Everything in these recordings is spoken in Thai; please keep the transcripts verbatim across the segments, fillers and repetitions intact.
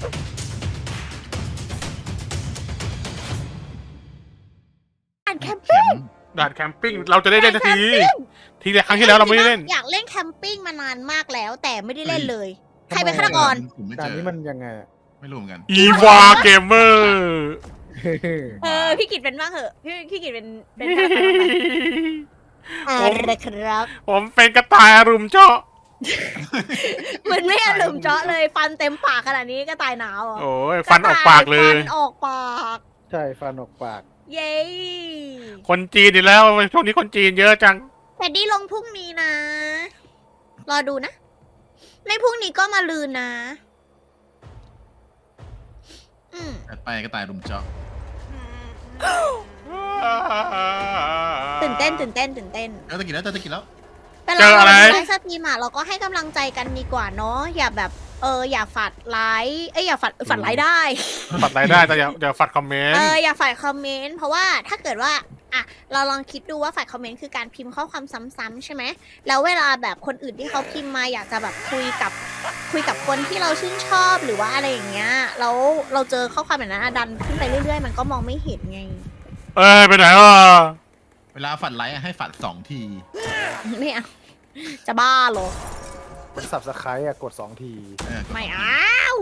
ด่านแคมปิ้งด่านแคมปิ้งเราจะได้เล่นสักทีทีแรกครั้งที่แล้วเราไม่ได้เล่นอยากเล่นแคมปิ้งมานานมากแล้ว แต่ไม่ได้เล่นเลย ใครเป็นฆาตกรผมไม่เจด่านอนี้มันยังไงอะไม่รู้เหมือนกันอีวาเกมเมอร์เออพี่กิจเป็นบ้างเหอะพี่พี่กิจเป็นเป็นฆาตกรบ้างไหมอะไรครับผมเป็นกระต่ายอรุมเจาะมันไม่อารมณ์เจาะเลยฟันเต็มปากขนาดนี้ก็ตายหนาวอ่ะโอ้ยฟันออกปากเลยฟันออกปากใช่ฟันออกปากเย้คนจีนอีกแล้วช่วงนี้คนจีนเยอะจังแต่ดีลงพรุ่งนี้นะ รอดูนะ ไม่พรุ่งนี้ก็มาลืนนะ อืมถัดไปก็ตายรุมเจาะตื่นเต้นตื่นเต้นตื่นเต้นเออตะกี้แล้วเจอตะกี้แล้วเวเจลาอเราอะไรดูไลฟ์สตรีมอะเราก็ให้กำลังใจกันดีกว่าเนาะอย่าแบบ เอออย่าฝัดไลค์เอ้ยอย่าฝัดฝัดไลค์ได้ฝัดรายได้แต่อย่าอย่าฝัดคอมเมนเอต์ออย่าฝัดคอมเมนต์เพราะว่าถ้าเกิดว่าอ่ะเราลองคิดดูว่าฝัดคอมเมนต์คือการพิมพ์ข้อความซ้ำๆใช่ไหมแล้วเวลาแบบคนอื่นที่เขาพิมพ์มาอยากจะแบบคุยกับคุยกับคนที่เราชื่นชอบหรือว่าอะไรอย่างเงี้ยแล้วเราเจอข้อความแบบนั้นอะดันขึ้นไปเรื่อยๆ มันก็มองไม่เห็นไงเอ้ยไปไหนวะเวลาฝัดไลค์ให้ฝัดสองทีไม่เอาจะบ้าเหรอมันสับสไครต์อะกดสองทีเออไม่เอา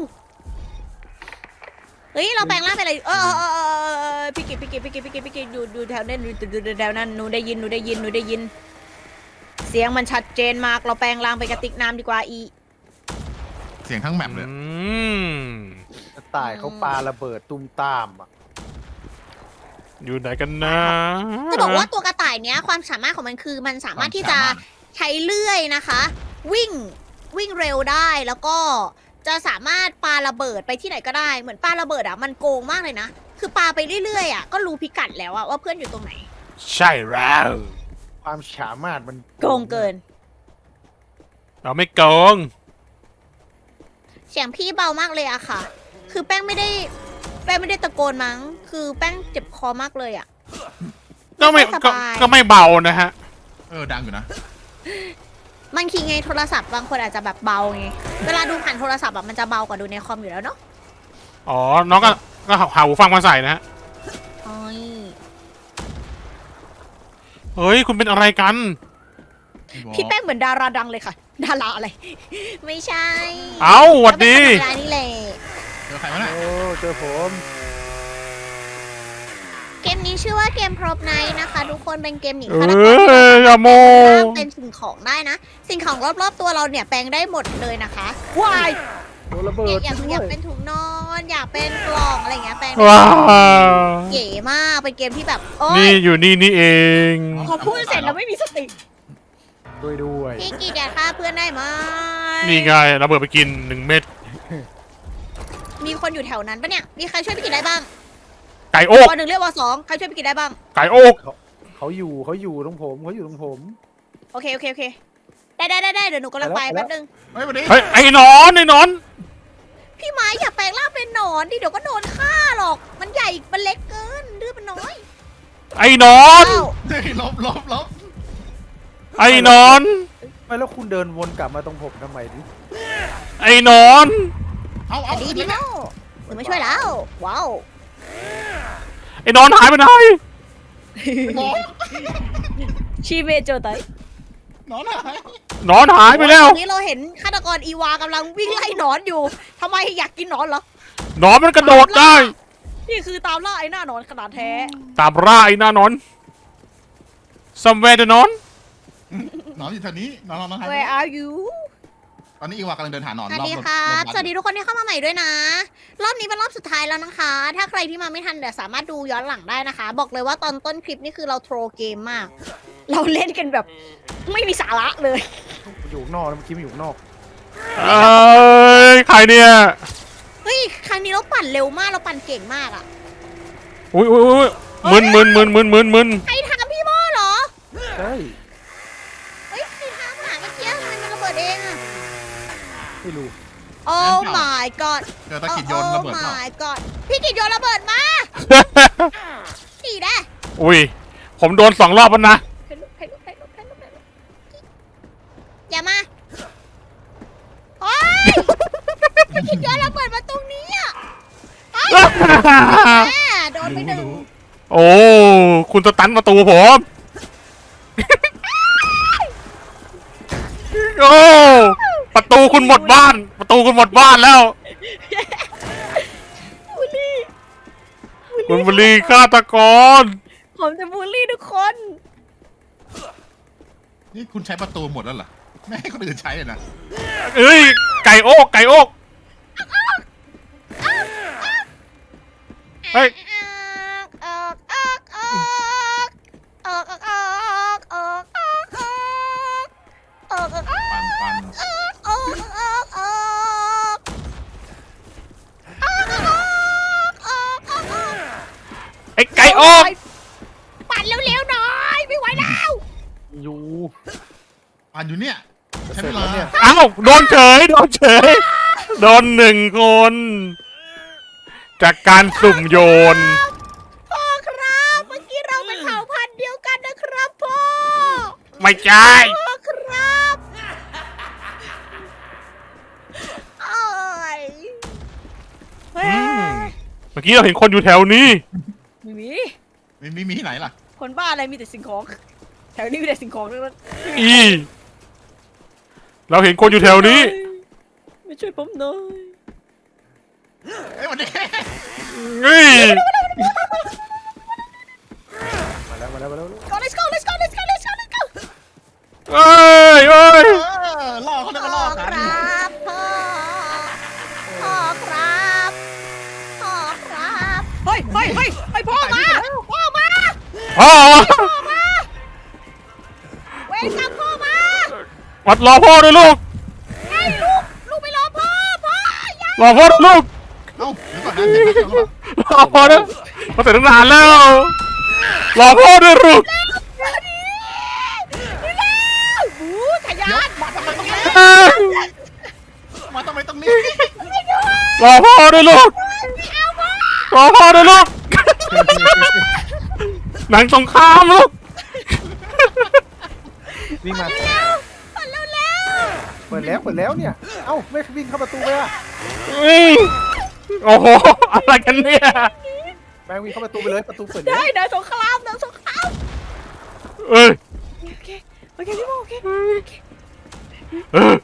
เฮ้ยเราแปลงร่างเป็นอะไรเออเออเออเออเออพี่กิจพี่กิจพี่กิจพี่กิจพี่กิจอยู่อยู่แถวนั้นอยู่อยู่อยู่แถวนั้นหนูได้ยินหนูได้ยินหนูได้ยิน เสียงมันชัดเจนมากเราแปลงร่างเป็นกระติกน้ำดีกว่าอีเสียงทั้งแมปเลยอืมกระต่ายเขาปาระเบิดตุ้มตามอะอยู่ไหนกันนะจะบอกว่าตัวกระต่ายเนี้ยความสามารถของมันคือมันสามารถที่จะใช้เลื่อยนะคะ วิ่งวิ่งเร็วได้แล้วก็จะสามารถปาระเบิดไปที่ไหนก็ได้เหมือนปาระเบิดอ่ะมันโกงมากเลยนะคือปาไปเรื่อยๆอ่ะก็รู้พิกัดแล้วอ่ะว่าเพื่อนอยู่ตรงไหนใช่แล้วความสามารถมันโกงเกินเราไม่โกงเสียงพี่เบามากเลยอะค่ะ คือแป้งไม่ได้แป้งไม่ได้ตะโกนมั้งคือแป้งเจ็บคอมากเลยอะก็ไม่สก็บายก็ไม่เบานะฮะเออดังอยู่นะบางทีไงโทรศัพท์บางคนอาจจะแบบเบาไงเวลาดูผ่านโทรศัพท์อะมันจะเบากว่าดูในคอมอยู่แล้วเนาะอ๋อ น้องก็ก็หาหูฟังมาใส่นะฮะโอ้ยเฮ้ย คุณเป็นอะไรกันพี่แป้งเหมือนดาราดังเลยค่ะ ดาราอะไร ไม่ใช่เอ้าหวัดดีก็เป็นธรรมดานี่แหละเจอใครวะน่ะโอ้เจอผมเกมนี้ชื่อว่าเกมพรบไนท์นะคะ ทุกคนเป็นเกมหนีเอฆาตกรที่ออย่าโมสามารถเป็นสิ่งของได้นะ สิ่งของรอบๆตัวเราเนี่ยแปลงได้หมดเลยนะคะว้ายโดนระเบิเนี่ยดอยากด้อวยยากเป็นถุงนอน อยากเป็นกล่องอะไรอย่างเงี้ยแปลงได้ว้าวเก๋มากเป็นเกมที่แบบโอ๊นี่ยอยู่นี่นี่เองพอพูดเสร็จแล้วไม่มีสติด้วยด้วยพี่กีดอยากฆ่าเพื่อนได้ไหมนี่ไงระเบิดไปกินหนึ่งเม็ดมีคนอยู่แถวนั้นปะเนี่ยมีใครช่วยพี่กีดได้บ้างไก่โอกวันหนึ่งเรียกว่าสองใครช่วยพี่กีดได้บ้างไก่โอกเขาอยู่เขาอยู่ตรงผมเขาอยู่ตรงผมโอเคโอเคโอเคได้ได้ได้ได้เดี๋ยวหนูกำลังไปไปแล้วแป๊บนึงเฮ้ยวันนี้เฮ้ยไอ้หนอนไอ้หนอนพี่ไม้อย่าแปลงร่างเป็นหนอนดิเดี๋ยวก็โดนฆ่าหรอก มันใหญ่มันเล็กเกินดื้อมันน้อยไอ้หนอนอ้าวเฮ้ยลบลบลบไอ้หนอนไม่แล้วคุณเดินวนกลับมาตรงผมทำไมดิไอ้หนอนเอาสเอาวัสดีพี่โม่หนูมาช่วยแล้ว ว้าวไอ้หนอนหายไปไหนหนอนชีเมโจไตหนอนหายหนอนหายไปแล้วตอนนี้เราเห็นฆาตกรอีวากำลังวิ่งไล่หนอนอยู่ทำไมอยากกินหนอนเหรอหนอนมันกระโดดได้นี่คือตามล่าไอ้หน้าหนอนขนาดแท้ตามร่าไอ้หน้าหนอน somewhere the หนอนหนอนอยู่แถวนี้หนอนหนอนหายไป Where are you ตอนนี้อีวากำลังเดินหาหนอนสวัสรอบดีรถครับรถสวัสดีทุกคนที่เข้ามาใหม่ด้วยนะ รอบนี้เป็นรอบสุดท้ายแล้วนะคะ ถ้าใครที่มาไม่ทันเดี๋ยวสามารถดูย้อนหลังได้นะคะ บอกเลยว่าตอนต้นคลิปนี่คือเราโทรเกมมาก เราเล่นกันแบบไม่มีสาระเลยมันอยู่ข้างนอกแล้วเมื่อกี้มันอยู่ข้างนอกเอ้ยใครเนี่ยเฮ้ย ครั้งนี้เราปั่นเร็วมาก เราปั่นเก่งมากอะอุ้ยอุ้ยอุ้ยมึนมึนมึนมึนมึนมึนใครทำพี่โม่เหรอใช่เฮ้ย ใครทำอ่ะเมื่อกี้ทำไมมันระเบิดเองอะไม่รู้โอ้ my god เจอตะกิดโยนระเบิดโอ้เปล่า my god พี่กิดโยนระเบิดมาสี่ได้อุ้ยผมโดนสองรอบแล้วนะใครลุกใครลุกใครลุกใครลุกใครลุกอย่ามาโอ้ยพี่กิดโยนระเบิดมาตรงนี้อะโดนไปหนึ่งโอ้คุณสตันประตูผม โอ้ประตูคุณหมดบ้าน ประตูคุณหมดบ้านแล้วบูลลี่คุณบุรีฆาตกรผมจะบูลลี่ทุกคนนี่คุณใช้ประตูหมดแล้วเหรอไม่ให้คนอื่นใช้เลยนะเอ้ยไก่โอกไก่โอกเฮ้ยออกออกออกออกออกออกออกออกออกออกออกออกออกปันปันออกออกออกไอ้ไก่โอกปั่นเร็วๆหน่อยไม่ไหวแล้วอยู่ปันอยู่เนี่ยใช้เสร็เวจลาแล้วเนี่ยเอ้าโดนเฉยโดนเฉยโดนหนึ่งคน จากการสุ่มโยนพ่อครับเมื่อกี้เราเป็นเผ่าพันธุ์เดียวกันนะครับพ่อไม่ใช่พ่อครับโอ้ยเฮ้ยเมื่อกี้เราเห็นคนอยู่แถวนี้ไม่มีไม่มีมีที่ไหนล่ะคนบ้าอะไรมีแต่สิ่งของ แถวนี้มีแต่สิ่งของทั้งนั้นอีเราเห็นคนอยู่แถวนี้ไม่ช่วยผมหน่อยเอ้ยวันนี้นี่มาแล้วมาแล้วมาแล้ว go let's go let's go let's go let's go let's go เอ้ยเอ้ยเออล่อเขาเรียกว่าล่อพ่อกัคน รับพ่อพ่อครับพ่อครับเฮ้ยเฮ้ยเฮ้ยเฮ้ยพ่อมาพ่อมาพ่อพ่อมาเวรกรรมพ่อมาวัดรอพ่อด้วยลูกไอ้ลูกลูกไปรอพ่อพ่ออย่ารอพ่อด้วยลูกเอ้าเดี๋ยวก่อนนะเดี๋ยวก่อนนะรอพ่อด้วยมาเสร็จตั้งนานแล้ว รอพ่อด้วยลูกเดี๋ยวนี้นี่แล้วบูทะยาเดี๋ยวน มาทำไมตรงนี้เอ้ยมาทำไมตรงนี้รอพ่อด้วยลูกไม่เอาพ่อรอพ่อด้วยลูก หนังสงครามลูกวิ่งมาเร็วเร็วเร็วเปิดแล้วเปิดแล้วเนี่ย เอ้าไม่วิ่งเข้าประตูไปอ่ะอืมโอ้โห อะไรกันเนี่ยแม่งวิ่งเข้าประตูไปเลยประตูเปิดแล้วได้เดินสงครามเดินสงครามเอ้ยโอเคโอเคพี่โมโอเคโอเคเออ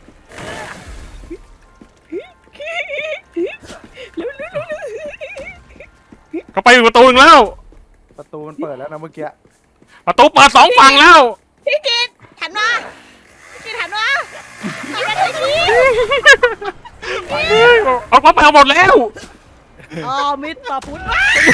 เร็วเร็วเร็วเร็วเขาไปอยู่ประตูหนึงแล้วประตูมันเปิดแล้วนะเมื่อกี้ประตูเปิดสองฝั่งแล้วพี่กิตหันมาพี่กิตหันมาหันมาทางนี้เอาเขาไปเอาหมดแล้วอ๋อมิตรพุทธ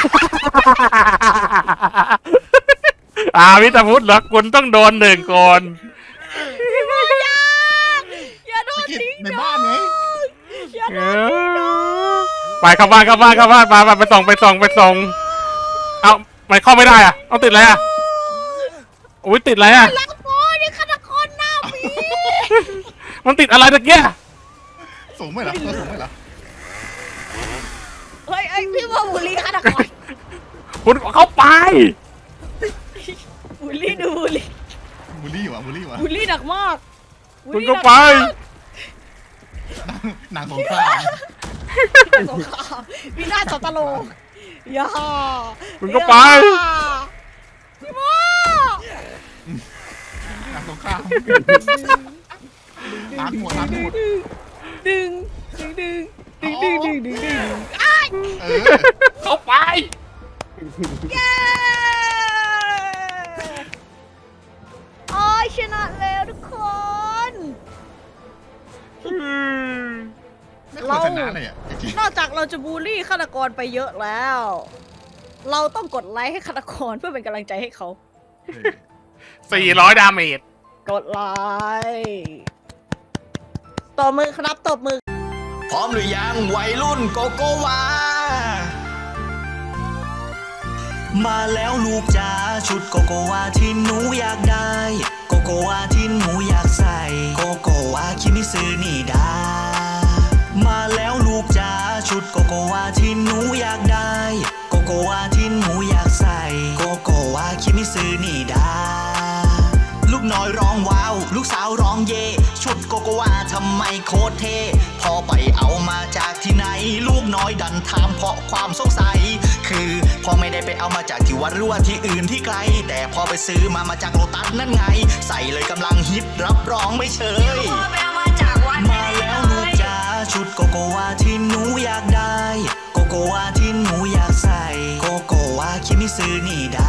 อาวิทพุทธเหรอคุณต้องโดนหนึ่งคนอย่าอย่าโดนทิ้งในบ้านไงอย่าเออไปเข้าบ้านเข้าบ้านเข้าบ้านมามาไปส่องไปส่องไปส่องเอาไม่เข้าไม่ได้อะเอาติดอะไรอะอุ้ยติดอะไรอะลักโมนี่ฆาตกรหน้าผีมันติดอะไรตะเกียสูงไหมเหรอตัวสูงไหมเหรอเฮ้ยไอ้พี่ว่าบุรีฆาตกรคุณเข้าไปบุรีดูบุรีบูลลี่วะบูลลี่วะบุรีหนักมากคุณก็ไปนางสงครามสงครามวินาศสันตโลกอย่าคุณก็ไปพี่โมนางสงครามล้างหัวล้างหัวดึงดึงดึงดึงดึงดึงดึงดึงอ้ายเออเข้าไปเย้โอ้ยชนะแล้วทุกคนไม่ควรชนะเลยอ่ะจริงนอกจากเราจะบูลลี่ฆาตกรไปเยอะแล้ว เราต้องกดไลค์ให้ฆาตกรเพื่อเป็นกำลังใจให้เขาๆเออสี่ร้อยดาเมจกดไลค์ตบมือครับตบมือพร้อมหรือยังวัยรุ่นโกโกวา มาแล้วลูกจ๋าชุดโกโกวาที่หนูอยากได้ โกโกวาที่หนูอยากใส่ โกโกวาคิมิซึนี่ดา มาแล้วลูกจ๋าชุดโกโกวาที่หนูอยากได้ โกโกวาที่หนูอยากใส่ โกโกวาคิมิซึนี่ดา ลูกน้อยร้องว้าว ลูกสาวร้องเย่ชุดโกโกวาทำไมโคตรเท่พอไปเอามาจากที่ไหนลูกน้อยดันถามเพราะความสงสัย คือพอไม่ได้ไปเอามาจากที่วัดหรือว่าที่อื่นที่ไกล แต่พอไปซื้อมามาจากโลตัสนั่นไง ใส่เลยกำลังฮิตรับรองไม่เชย มาแล้วลูกจ๋าชุดโกโกวาที่หนูอยากได้ โกโกวาที่หนูอยากใส่ โกโกวาคิมิซึนี่ดา